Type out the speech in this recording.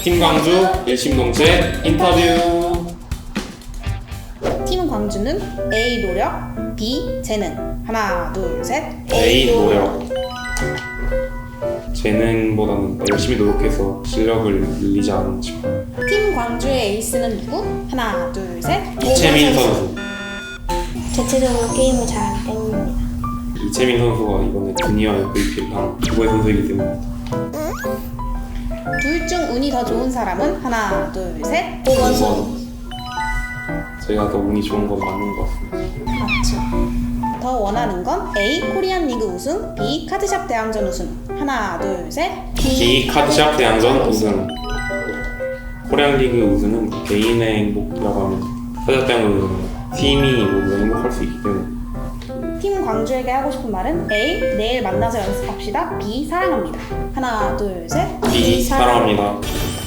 팀 광주 일심동체 인터뷰. 팀 광주는 A 노력, B 재능. 하나, 둘, 셋. A 노력. 재능보다는 열심히 노력해서 실력을 늘리지 않았나 싶어요. 팀 광주의 에이스는 누구? 하나, 둘, 셋. 이채민 선수. 전체적으로 게임을 잘하기 때문입니다. 이채민 선수가 이번에 주니어 MVP를 한 두고의 선수이기 때문입니다. 둘 중 운이 더 좋은 사람은? 하나, 둘, 셋. 5번 선수. 제가 더 운이 좋은 건 맞는 것 같습니다. 맞죠. 더 원하는 건 A 코리안 리그 우승, B 카드샵 대항전 우승. 하나, 둘, 셋. B 카드샵 대항전 우승. 코리안 리그 우승은 개인의 행복이라고 하면 카드샵 대항전 우승은 팀이 모두 행복할 수 있기 때문에. 팀 광주에게 하고 싶은 말은 A 내일 만나서 연습합시다, B 사랑합니다. 하나, 둘, 셋. B 사랑합니다.